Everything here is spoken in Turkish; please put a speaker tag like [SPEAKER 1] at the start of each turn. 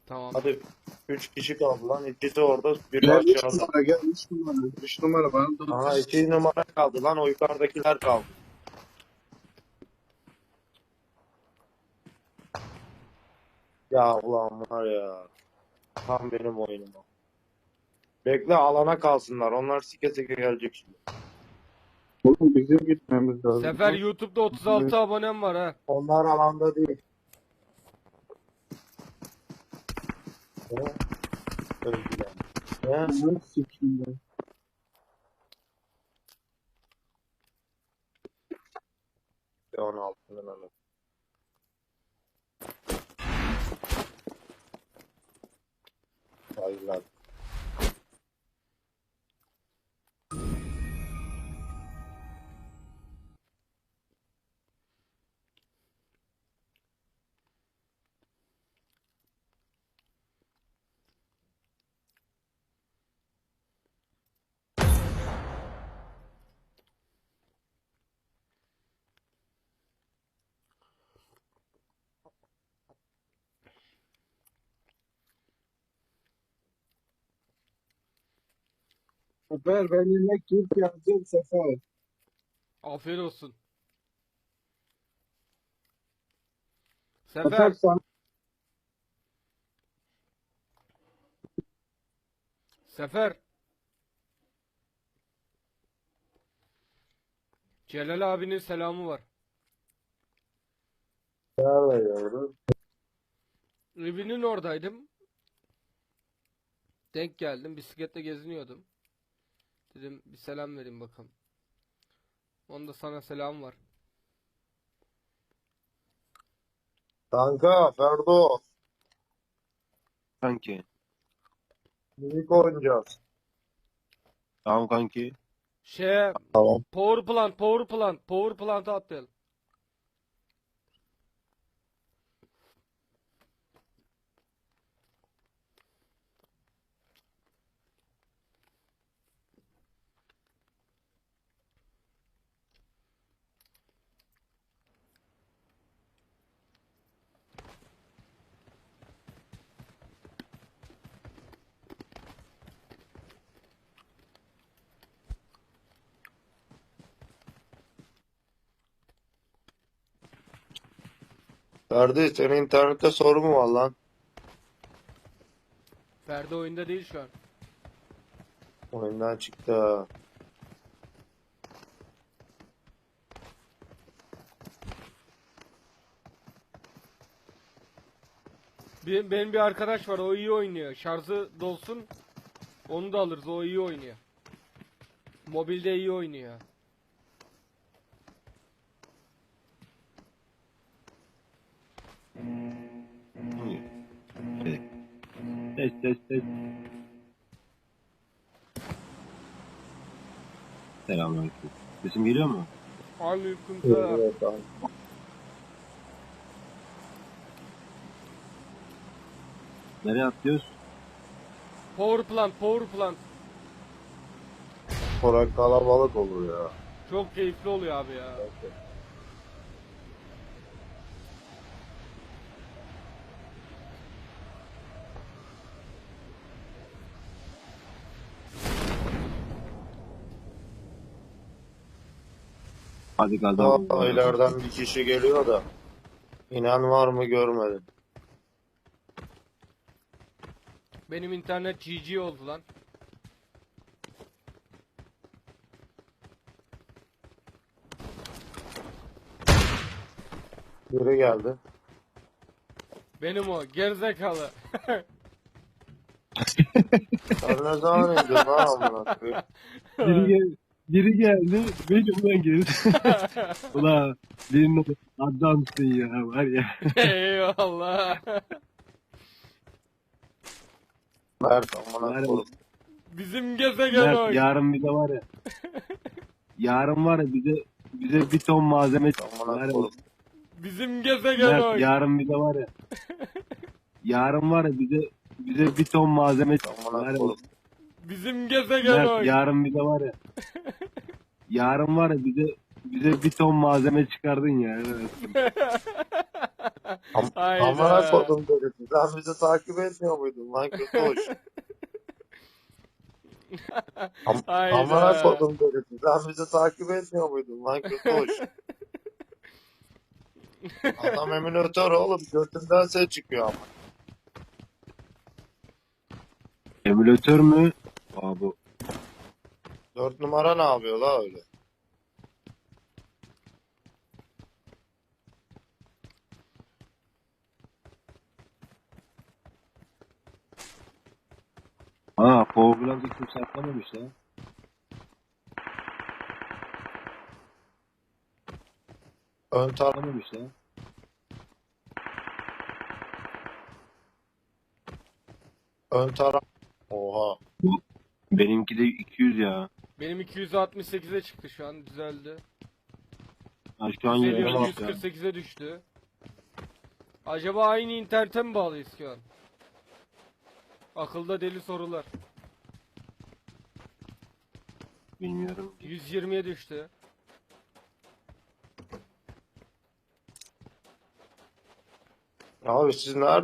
[SPEAKER 1] Tamam.
[SPEAKER 2] Hadi 3 kişi kaldı lan. İkisi orada, biri
[SPEAKER 3] Gel 3
[SPEAKER 2] aşağıda.
[SPEAKER 3] numara gel 3 numara. 3 numara bana da
[SPEAKER 2] Aha 2 numara kaldı lan. O yukarıdakiler kaldı. Ya ulan var ya. Tam benim oyunum o. Bekle alana kalsınlar. Onlar sike sike gelecek şimdi.
[SPEAKER 3] Oğlum bizim gitmemiz lazım.
[SPEAKER 1] Sefer YouTube'da 36 abonem var ha.
[SPEAKER 2] Onlar alanda değil. Ne? Öldüler. Ne?
[SPEAKER 3] Ne sikimde.
[SPEAKER 2] 16'nın anı. Hayırlar.
[SPEAKER 3] Sefer ben yemek Türk yazacağım Sefer.
[SPEAKER 1] Afiyet olsun.
[SPEAKER 3] Sefer
[SPEAKER 1] Sefer.
[SPEAKER 3] sana
[SPEAKER 1] Sefer. Celal abinin selamı var.
[SPEAKER 2] Nerede gördün?
[SPEAKER 1] Evinin oradaydım. Denk geldim. Bisikletle geziniyordum. Dedim bir selam vereyim bakalım. Onda sana selam var.
[SPEAKER 2] Kanka Ferdo.
[SPEAKER 4] Kanki.
[SPEAKER 2] Minik oynayacağız.
[SPEAKER 4] Tamam kanki.
[SPEAKER 2] Tamam.
[SPEAKER 1] Power plant'a atlayalım.
[SPEAKER 2] Ferdi senin internette sorun mu var lan?
[SPEAKER 1] Ferdi oyunda değil şu an.
[SPEAKER 2] Oyundan çıktı.
[SPEAKER 1] Benim bir arkadaş var, o iyi oynuyor. Şarjı dolsun, onu da alırız, o iyi oynuyor. Mobilde iyi oynuyor.
[SPEAKER 4] Evet. Test test test. Selamünaleyküm. Sesim geliyor mu?
[SPEAKER 1] Aleykümselam.
[SPEAKER 2] Evet, tamam.
[SPEAKER 4] Nereye atlıyoruz?
[SPEAKER 1] Power plant.
[SPEAKER 2] Korak kalabalık olur ya.
[SPEAKER 1] Çok keyifli oluyor abi ya.
[SPEAKER 4] Hadi gaza.
[SPEAKER 2] Daha ileriden bir kişi geliyor da. İnan var mı görmedim.
[SPEAKER 1] Benim internet GG oldu lan.
[SPEAKER 2] Biri geldi.
[SPEAKER 1] Benim o gerizekalı.
[SPEAKER 2] Sen ne zaman indin lan amına koyayım?
[SPEAKER 4] Biri geldi. Benim geldi. Ulan birinin adamsın ya var ya.
[SPEAKER 1] Eyvallah.
[SPEAKER 2] Mert amına
[SPEAKER 4] Var ya.
[SPEAKER 2] koyayım.
[SPEAKER 1] Bizim gezegen
[SPEAKER 4] Mert,
[SPEAKER 1] o.
[SPEAKER 4] yarın bir de var ya. Yarın var ya bize bir ton malzeme var
[SPEAKER 2] Amına
[SPEAKER 4] ya.
[SPEAKER 2] koyayım.
[SPEAKER 1] Bizim gezegen o.
[SPEAKER 4] Mert, yarın bir de var ya. Yarın var ya bize bir ton malzeme var
[SPEAKER 2] Amına
[SPEAKER 4] ya.
[SPEAKER 2] koyayım.
[SPEAKER 1] Bizim gezegen o.
[SPEAKER 4] Mert, yarın bir de var ya. Yarın var ya bize bir ton malzeme çıkardın ya. Evet.
[SPEAKER 2] Amına
[SPEAKER 1] Hayda.
[SPEAKER 2] kodum dedi. Sen bizi takip etmiyor muydun lan kötü hoş? Amına
[SPEAKER 1] Hayda.
[SPEAKER 2] kodum dedi. Sen bizi takip etmiyor muydun lan kötü hoş? Adam emülatör oğlum. Götünden ses çıkıyor ama.
[SPEAKER 4] Emülatör mü? Aa, bu
[SPEAKER 2] 4 numara ne yapıyor la öyle?
[SPEAKER 4] Ha, Powerglass'ı kimse atlamamış ya.
[SPEAKER 2] Ön taraf.
[SPEAKER 4] Atlamamış ya.
[SPEAKER 2] Ön taraf. Oha.
[SPEAKER 4] Benimki de 200 ya.
[SPEAKER 1] Benim 268'e çıktı şu an düzeldi.
[SPEAKER 4] Ha, şu an
[SPEAKER 1] Düzeliyor
[SPEAKER 4] yerine bak ya.
[SPEAKER 1] 148'e düştü. Acaba aynı internete mi bağlıyız şu an? Akılda deli sorular.
[SPEAKER 4] Bilmiyorum.
[SPEAKER 1] 120'ye düştü.
[SPEAKER 2] Abi siz nerede?